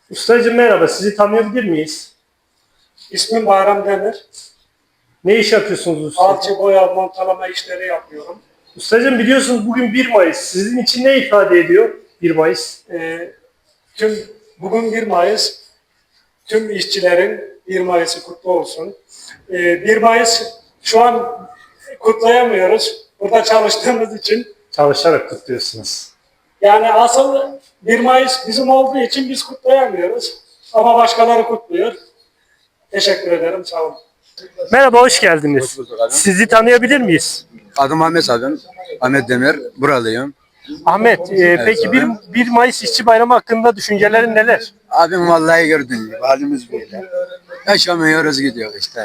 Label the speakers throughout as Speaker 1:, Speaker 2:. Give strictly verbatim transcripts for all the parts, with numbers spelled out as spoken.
Speaker 1: Ustacığım merhaba, sizi tanıyabilir miyiz?
Speaker 2: İsmim Bayram Demir.
Speaker 1: Ne iş yapıyorsunuz usta?
Speaker 2: Alçı boya montalama işleri yapıyorum.
Speaker 1: Ustacığım biliyorsunuz bugün bir Mayıs. Sizin için ne ifade ediyor bir Mayıs?
Speaker 2: Ee, tüm bugün bir Mayıs. Tüm işçilerin bir Mayıs'ı kutlu olsun. Ee, bir Mayıs şu an kutlayamıyoruz. Burada çalıştığımız için.
Speaker 1: Çalışarak kutluyorsunuz.
Speaker 2: Yani asıl bir Mayıs bizim olduğu için biz kutlayamıyoruz. Ama başkaları kutluyor. Teşekkür ederim. Sağ olun.
Speaker 1: Merhaba, hoş geldiniz. Sizi tanıyabilir miyiz?
Speaker 3: Adım Ahmet Adım. Ahmet Demir. Buralıyım.
Speaker 1: Ahmet, e, peki bir, bir Mayıs İşçi Bayramı hakkında düşüncelerin neler?
Speaker 3: Abim vallahi gördün gibi. Halimiz böyle. Yaşamıyoruz gidiyor işte.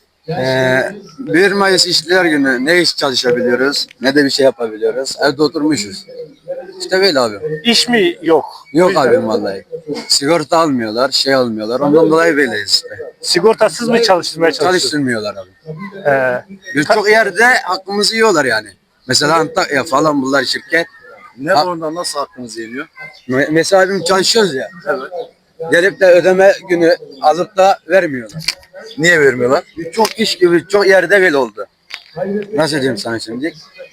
Speaker 3: Ee, bir Mayıs İşçiler Günü ne iş çalışabiliyoruz ne de bir şey yapabiliyoruz. Evde oturmuşuz. İşte böyle abi.
Speaker 1: İş mi yok?
Speaker 3: Yok abim vallahi. Sigorta almıyorlar, şey almıyorlar. Ondan dolayı böyleyiz işte.
Speaker 1: Sigortasız mı çalıştırmaya çalışıyorsunuz?
Speaker 3: Çalıştırmıyorlar abi.
Speaker 1: Ee,
Speaker 3: Birçok yerde hakkımızı yiyorlar yani. Mesela Antakya falan bunlar şirket.
Speaker 4: Ne
Speaker 3: Ha-
Speaker 4: konuda nasıl hakkınız yeniyor?
Speaker 3: Me- Mesela abim çalışıyoruz ya. Gelip de ödeme günü alıp da vermiyorlar.
Speaker 4: Niye vermiyorlar?
Speaker 3: Çok iş gibi çok yerde böyle oldu. Nasıl diyeyim sana şimdi?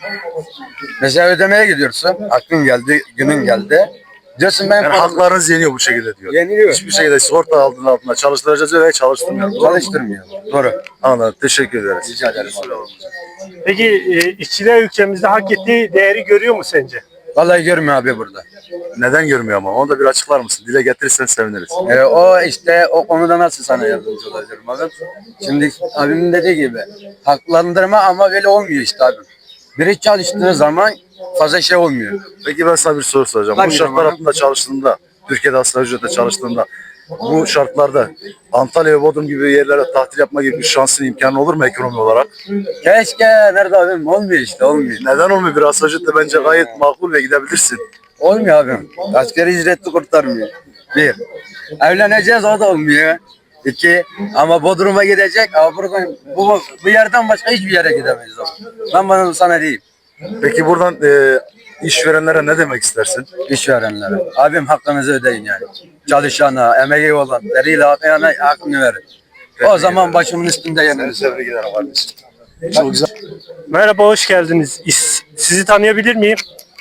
Speaker 3: Mesela ödemeye gidiyorsun. Hakkın geldi, günün geldi. Diyorsun ben
Speaker 4: Yani
Speaker 3: param-
Speaker 4: haklarınız yeniyor bu şekilde diyor.
Speaker 3: Yeniliyor.
Speaker 4: Hiçbir şekilde sigorta aldığın altında çalıştıracağız ve çalıştırmıyor. Doğru mu?
Speaker 3: Çalıştırmıyor. Doğru.
Speaker 4: Anladım. Teşekkür ederiz.
Speaker 3: Rica ederim.
Speaker 1: peki e, işçiler ülkemizde hak ettiği değeri görüyor mu sence?
Speaker 3: Vallahi görmüyor abi burada.
Speaker 4: Neden görmüyor ama? Onu da bir açıklar mısın? Dile getirirsen seviniriz.
Speaker 3: Ee, o işte o konuda nasıl sana yardımcı olabilirim abi? Şimdi abimin dediği gibi haklandırma ama böyle olmuyor işte abi. Biri çalıştığı zaman fazla şey olmuyor.
Speaker 4: Peki ben sana bir soru soracağım.
Speaker 3: Tabii
Speaker 4: Bu şartlar
Speaker 3: canım.
Speaker 4: altında çalıştığında, Türkiye'de asgari ücretle çalıştığında bu şartlarda Antalya ve Bodrum gibi yerlere tatil yapma gibi bir şansın imkanı olur mu ekonomi olarak?
Speaker 3: Keşke nerede abim olmuyor işte olmuyor.
Speaker 4: Neden olmuyor? Bir asgari ücretle bence gayet makul ve gidebilirsin.
Speaker 3: Olmuyor abim. Asgari ücretli kurtarmıyor. Bir. Evleneceğiz o da olmuyor. İki. Ama Bodrum'a gidecek. Ama buradan bu, bu yerden başka hiçbir yere gidemeyiz abi. Ben bana sana diyeyim.
Speaker 4: Peki buradan e, işverenlere ne demek istersin?
Speaker 3: İşverenlere. Abim hakkınızı ödeyin yani. Çalışana, emeği olan, eliyle akıyana hakkını verin. O zaman başımın üstünde yeniniz.
Speaker 4: Tebrik ederim kardeşim. Çok güzel.
Speaker 1: Merhaba, hoş geldiniz. İs- sizi tanıyabilir miyim?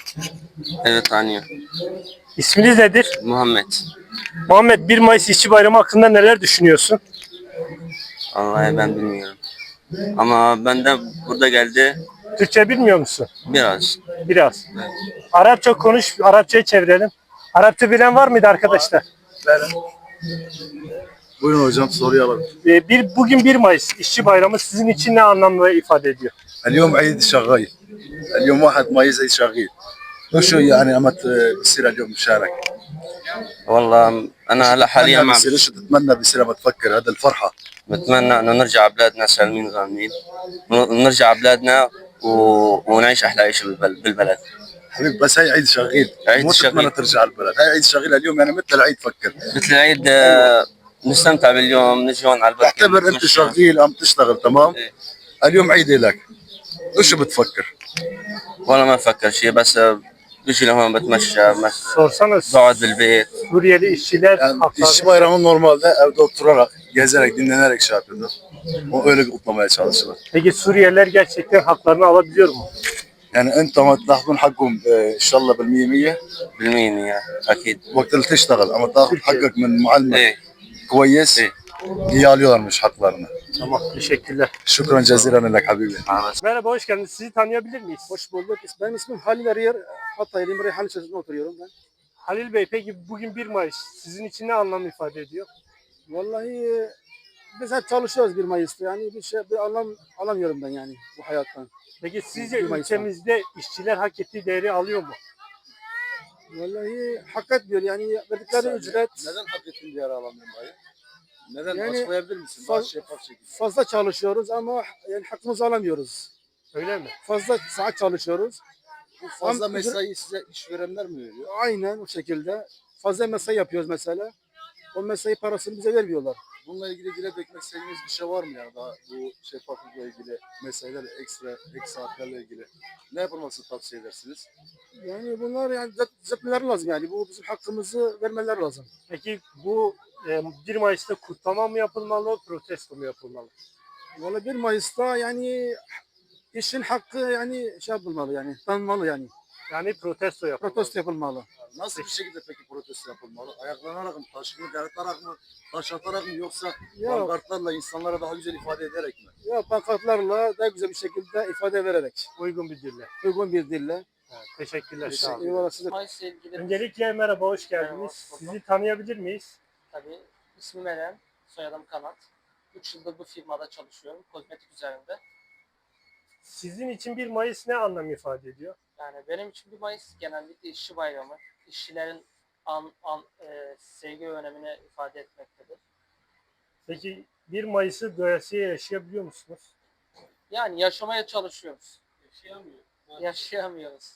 Speaker 5: Evet tanıyor.
Speaker 1: İsminiz nedir?
Speaker 5: Muhammed.
Speaker 1: Muhammed, bir Mayıs İşçi Bayramı hakkında neler düşünüyorsun?
Speaker 5: Vallahi ben bilmiyorum. Ama ben de burada geldi
Speaker 1: Türkçe bilmiyor musun?
Speaker 5: biraz.
Speaker 1: Biraz. Arapça konuş, Arapçayı çevirelim. Arapça bilen var mıydı arkadaşlar?
Speaker 4: Buyurun hocam soruyu alalım.
Speaker 1: Ee, bir, bugün bir Mayıs İşçi Bayramı sizin için ne anlamda ifade ediyor?
Speaker 4: اليوم عيد شغال اليوم واحد مايز عيد شغال وشو يعني اما بصير اليوم مشارك
Speaker 5: والله انا هلا حاليا
Speaker 4: ما
Speaker 5: ما
Speaker 4: بصير شو تتمنى بصير لما تفكر هذا الفرحه
Speaker 5: بتمنى انه نرجع بلادنا سالمين غانمين ونرجع بلادنا و... ونعيش احلى عيشه بالبل- بالبلد.
Speaker 4: حبيبي بس هي عيد شغال
Speaker 5: عيد
Speaker 4: مو تتمنى
Speaker 5: شغال.
Speaker 4: ترجع البلد هاي عيد شغال اليوم يعني مثل العيد فكر
Speaker 5: مثل العيد آه، نستمتع باليوم نجي هون على البركه
Speaker 4: اعتبر انت
Speaker 5: نتمشى.
Speaker 4: شغال عم تشتغل تمام
Speaker 5: إيه.
Speaker 4: اليوم عيد لك وشو بتفكر
Speaker 5: والله ما بفكر شيء بس آه، بيجي لهون بتمشى بس
Speaker 1: Sorsana
Speaker 5: بقعد بالبيت.
Speaker 1: Suriyeli işçiler
Speaker 4: yani
Speaker 1: hakları.
Speaker 4: işçi bayramı normalde evde oturarak gezerek dinlenerek şey yapıyordu o öyle kutlamaya çalışırlar.
Speaker 1: Peki Suriyeliler gerçekten haklarını alabiliyor mu?
Speaker 4: يعني انت ما تاخذون حقهم آه، ان شاء الله بالمية مية
Speaker 5: بالمية يا اكيد.
Speaker 4: وقت اللي تشتغل اما تاخذ حقك من معلمك
Speaker 5: ايه
Speaker 4: كويس
Speaker 5: ايه.
Speaker 4: iyi alıyorlarmış haklarını.
Speaker 1: Tamam, teşekkürler.
Speaker 4: Şükran cezilen lek habibi.
Speaker 1: Merhaba, hoş geldiniz. Sizi tanıyabilir miyiz?
Speaker 6: Hoş bulduk. Benim ismim Halil Arıyer. Hatay'lıyım. Reyhan Çeşme'de oturuyorum ben.
Speaker 1: Halil Bey, peki bugün bir Mayıs sizin için ne anlam ifade ediyor?
Speaker 6: Vallahi e, biz hep çalışıyoruz bir Mayıs'ta. Yani bir şey bir anlam alamıyorum ben yani bu hayattan.
Speaker 1: Peki sizce
Speaker 6: bir Mayıs'tan.
Speaker 1: ülkemizde işçiler hak ettiği değeri alıyor mu?
Speaker 6: Vallahi hak etmiyor yani verdikleri ücret
Speaker 4: Neden hak ettiğin diğer alamıyorum dayı? Neden
Speaker 6: Yani
Speaker 4: açıklayabilir misin?
Speaker 6: faz-
Speaker 4: Daha şeffaf şekilde.
Speaker 6: fazla çalışıyoruz ama yani hakkımızı alamıyoruz.
Speaker 1: Öyle mi?
Speaker 6: Fazla saat çalışıyoruz.
Speaker 4: Fazla
Speaker 6: Am-
Speaker 4: mesai size işverenler mi veriyor?
Speaker 6: Aynen o şekilde. Fazla mesai yapıyoruz mesela. O mesai parasını bize vermiyorlar.
Speaker 4: Bununla ilgili dile dökmek istediğiniz bir şey var mı ya daha bu şeffaflıkla ilgili meseleler, ekstra ek saatlerle ilgili ne yapılmasını tavsiye edersiniz?
Speaker 6: Yani bunlar yani düzelt- düzeltmeleri lazım yani. Bu bizim hakkımızı vermeleri lazım.
Speaker 1: Peki bu e, bir Mayıs'ta kutlama mı yapılmalı, protesto mu yapılmalı?
Speaker 6: Valla bir Mayıs'ta yani işin hakkı yani şey yapılmalı yani. Tanınmalı yani.
Speaker 1: Yani protesto yapılmalı.
Speaker 6: Protesto yapılmalı.
Speaker 4: Nasıl bir şekilde peki protesto yapılmalı? Ayaklanarak mı, taşını dağıtarak mı, taş atarak mı yoksa
Speaker 6: Yok.
Speaker 4: pankartlarla insanlara daha güzel ifade ederek mi?
Speaker 6: Ya pankartlarla daha güzel bir şekilde ifade vererek.
Speaker 1: Uygun bir dille.
Speaker 6: Uygun bir dille.
Speaker 1: Evet, teşekkürler. Sağ olun.
Speaker 6: Eyvallah size.
Speaker 7: Mayıs'la ilgili
Speaker 1: Öncelikle merhaba, hoş geldiniz.
Speaker 7: Merhaba, hoş bulduk.
Speaker 1: Sizi tanıyabilir miyiz?
Speaker 7: tabii ismim Eren, soyadım Kanat. üç yıldır bu firmada çalışıyorum, kozmetik üzerinde.
Speaker 1: Sizin için bir Mayıs ne anlam ifade ediyor?
Speaker 7: Yani benim için bir Mayıs genellikle işçi bayramı, işçilerin an, an, e, sevgi ve önemini ifade etmektedir.
Speaker 1: Peki bir Mayıs'ı doyasıya yaşayabiliyor musunuz?
Speaker 7: Yani yaşamaya çalışıyoruz. Yaşayamıyor. Yaşayamıyoruz.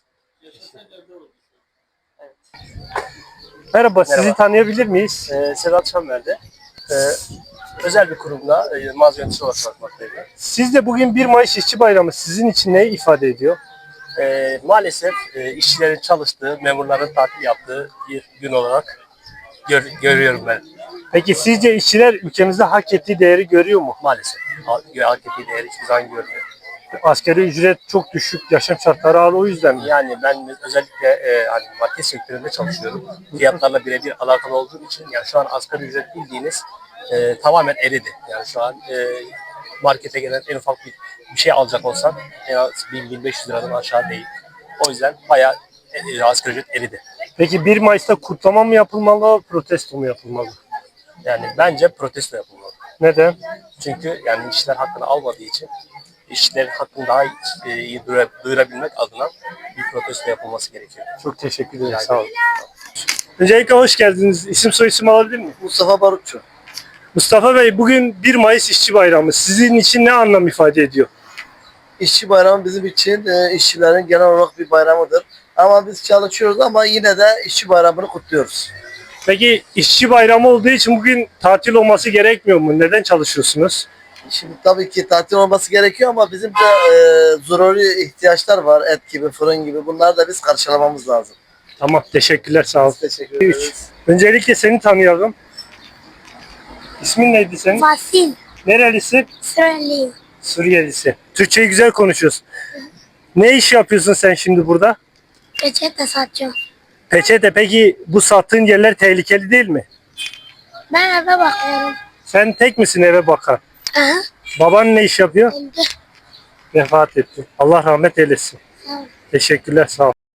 Speaker 7: Evet.
Speaker 1: Merhaba, sizi tanıyabilir miyiz?
Speaker 8: Ee, Sedat Şamver'de ee, özel bir kurumda e, mağaza yöneticisi olarak çalışmaktayım.
Speaker 1: Siz de bugün bir Mayıs İşçi Bayramı sizin için ne ifade ediyor?
Speaker 8: Ee, maalesef e, işçilerin çalıştığı, memurların tatil yaptığı bir gün olarak gör, görüyorum ben.
Speaker 1: Peki sizce işçiler ülkemizde hak ettiği değeri görüyor mu?
Speaker 8: Maalesef. Ha- Hak ettiği değeri hiçbir zaman görmüyor.
Speaker 1: Asgari ücret çok düşük, yaşam şartları ağır, o yüzden mi?
Speaker 8: Yani ben özellikle e, hani market sektöründe çalışıyorum. Fiyatlarla birebir alakalı olduğum için yani şu an asgari ücret bildiğiniz e, tamamen eridi. Yani şu an e, markete gelen en ufak bir, bir şey alacak olsan en az bin bin beş yüz liradan aşağı değil. O yüzden bayağı e, asgari ücret eridi.
Speaker 1: Peki bir Mayıs'ta kutlama mı yapılmalı, protesto mu yapılmalı?
Speaker 8: Yani bence protesto yapılmalı.
Speaker 1: Neden?
Speaker 8: Çünkü yani işçiler hakkını almadığı için işçilerin hakkını daha iyi, e, iyi duyura- duyurabilmek adına bir protesto yapılması gerekiyor.
Speaker 1: Çok teşekkür ederim, sağ olun. Öncelikle hoş geldiniz. İsim soyisim alabilir miyim?
Speaker 9: Mustafa Barutçu.
Speaker 1: Mustafa Bey, bugün bir Mayıs İşçi Bayramı. Sizin için ne anlam ifade ediyor?
Speaker 9: İşçi bayramı bizim için e, işçilerin genel olarak bir bayramıdır. Ama biz çalışıyoruz ama yine de işçi bayramını kutluyoruz.
Speaker 1: Peki işçi bayramı olduğu için bugün tatil olması gerekmiyor mu? Neden çalışıyorsunuz?
Speaker 9: Şimdi tabii ki tatil olması gerekiyor ama bizim de e, zaruri ihtiyaçlar var. Et gibi, fırın gibi. Bunları da biz karşılamamız lazım.
Speaker 1: Tamam, teşekkürler, sağ olun.
Speaker 9: Teşekkür
Speaker 1: Üç.
Speaker 9: ederiz.
Speaker 1: Öncelikle seni tanıyalım. İsmin neydi senin?
Speaker 10: Vasil,
Speaker 1: Nerelisin?
Speaker 10: Süreliyim.
Speaker 1: Suriyelisin. Türkçeyi güzel konuşuyorsun. Ne iş yapıyorsun sen şimdi burada?
Speaker 10: Peçete satıyorum.
Speaker 1: Peçete. Peki bu sattığın yerler tehlikeli değil mi?
Speaker 10: Ben eve bakıyorum.
Speaker 1: Sen tek misin eve bakan?
Speaker 10: Aha,
Speaker 1: Baban ne iş yapıyor?
Speaker 10: öldü.
Speaker 1: Vefat etti. Allah rahmet eylesin.
Speaker 10: Sağ ol.
Speaker 1: Teşekkürler, sağ ol.